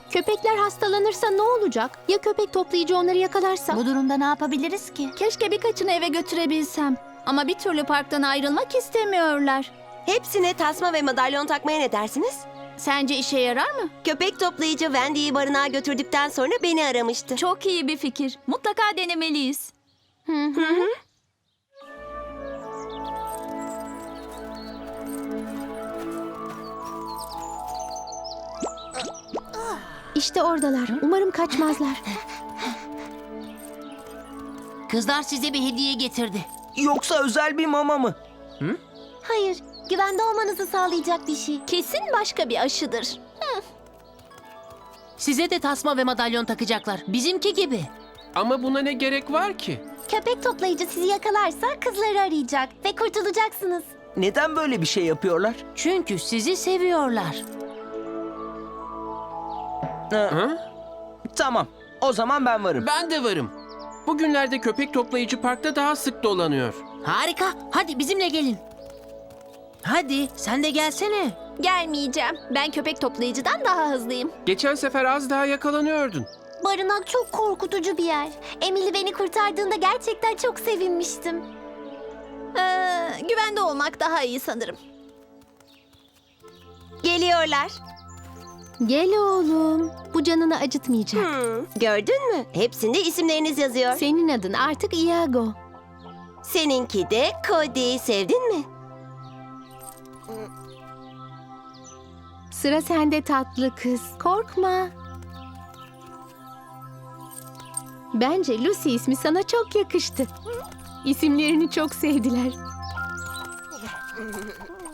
Köpekler hastalanırsa ne olacak? Ya köpek toplayıcı onları yakalarsa? Bu durumda ne yapabiliriz ki? Keşke birkaçını eve götürebilsem. Ama bir türlü parktan ayrılmak istemiyorlar. Hepsine tasma ve madalyon takmaya ne dersiniz? Sence işe yarar mı? Köpek toplayıcı Wendy'yi barınağa götürdükten sonra beni aramıştı. Çok iyi bir fikir. Mutlaka denemeliyiz. İşte oradalar. Umarım kaçmazlar. Kızlar size bir hediye getirdi. Yoksa özel bir mama mı? Hayır, güvende olmanızı sağlayacak bir şey. Kesin başka bir aşıdır. Size de tasma ve madalyon takacaklar. Bizimki gibi. Ama buna ne gerek var ki? Köpek toplayıcı sizi yakalarsa kızları arayacak ve kurtulacaksınız. Neden böyle bir şey yapıyorlar? Çünkü sizi seviyorlar. Ha? Tamam. O zaman ben varım. Ben de varım. Bugünlerde köpek toplayıcı parkta daha sık dolanıyor. Harika. Hadi bizimle gelin. Hadi sen de gelsene. Gelmeyeceğim. Ben köpek toplayıcıdan daha hızlıyım. Geçen sefer az daha yakalanıyordun. Barınak çok korkutucu bir yer. Emily beni kurtardığında gerçekten çok sevinmiştim. Güvende olmak daha iyi sanırım. Geliyorlar. Gel oğlum. Bu canını acıtmayacak. Gördün mü? Hepsinde isimleriniz yazıyor. Senin adın artık Iago. Seninki de Cody. Sevdin mi? Sıra sende tatlı kız. Korkma. Bence Lucy ismi sana çok yakıştı. İsimlerini çok sevdiler.